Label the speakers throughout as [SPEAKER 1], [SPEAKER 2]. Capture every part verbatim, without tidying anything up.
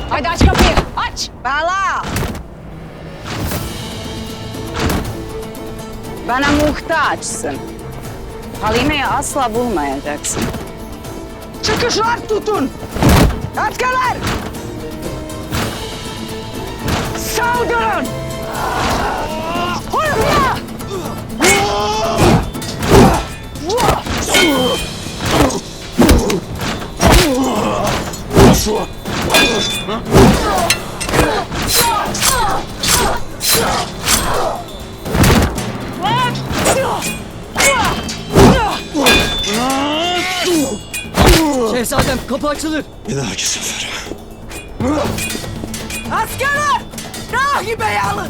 [SPEAKER 1] Hadi aç kapıyı, aç!
[SPEAKER 2] Bala! Bana muhtaçsın. Halime'yi asla bulmayacaksın. Çıkışlar tutun! Askerler! Saldırın! Hırla!
[SPEAKER 3] Şehzadem kapı açılır.
[SPEAKER 4] Bir dahaki sefere.
[SPEAKER 2] Askerler! Rahibe'yi alın!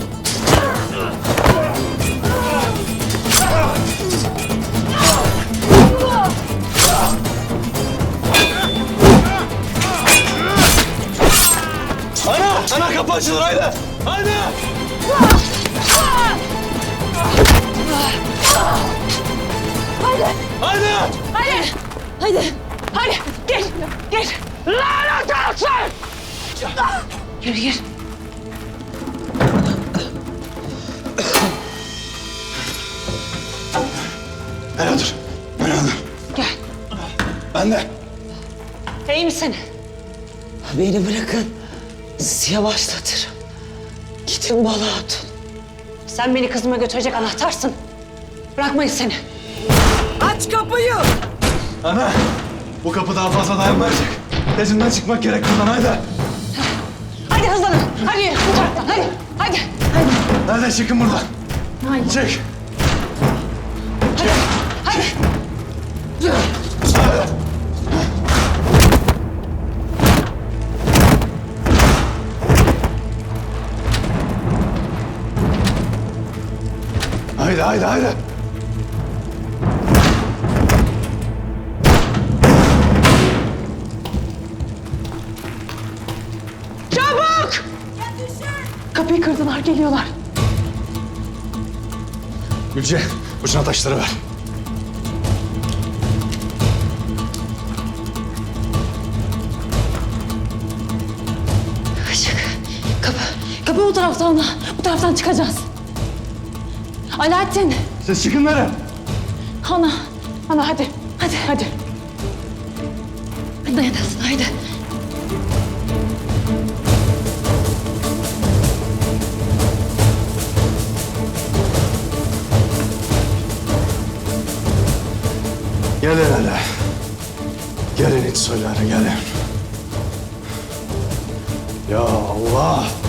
[SPEAKER 4] Ana! Ana kapı açılır haydi! Haydi! Haydi!
[SPEAKER 1] Hadi! Hadi! Hadi! Gir! Gir! Lanet olsun! Gir, gir.
[SPEAKER 4] Hele dur. Ben aldım.
[SPEAKER 1] Gel.
[SPEAKER 4] Ben de.
[SPEAKER 1] İyi misin?
[SPEAKER 3] Beni bırakın. Sizi yavaşlatırım. Gidin Bala Hatun.
[SPEAKER 1] Sen beni kızıma götürecek anahtarsın. Bırakmayız seni.
[SPEAKER 2] Aç kapıyı!
[SPEAKER 4] Ana! Bu kapı daha fazla dayanmayacak. Tezinden çıkmak gerek buradan haydi.
[SPEAKER 1] Hadi hızlanın. Hadi yürü bu taraftan. Hadi. Hadi. Hadi.
[SPEAKER 4] Hadi çıkın buradan.
[SPEAKER 1] Haydi.
[SPEAKER 4] Çık.
[SPEAKER 1] Hadi. Hadi.
[SPEAKER 4] Haydi haydi haydi.
[SPEAKER 1] Çabuk! Kapıyı kırdılar, geliyorlar.
[SPEAKER 4] Gülce, ucuna taşları ver.
[SPEAKER 1] Işık. Kapı. Kapı bu taraftan. Bu taraftan çıkacağız. Alaaddin.
[SPEAKER 4] Siz çıkın nereye?
[SPEAKER 1] Ana. Ana hadi. Hadi hadi. Dayanasın haydi.
[SPEAKER 4] Gelin hele. Gelin iç soyları gelin. Ya Allah!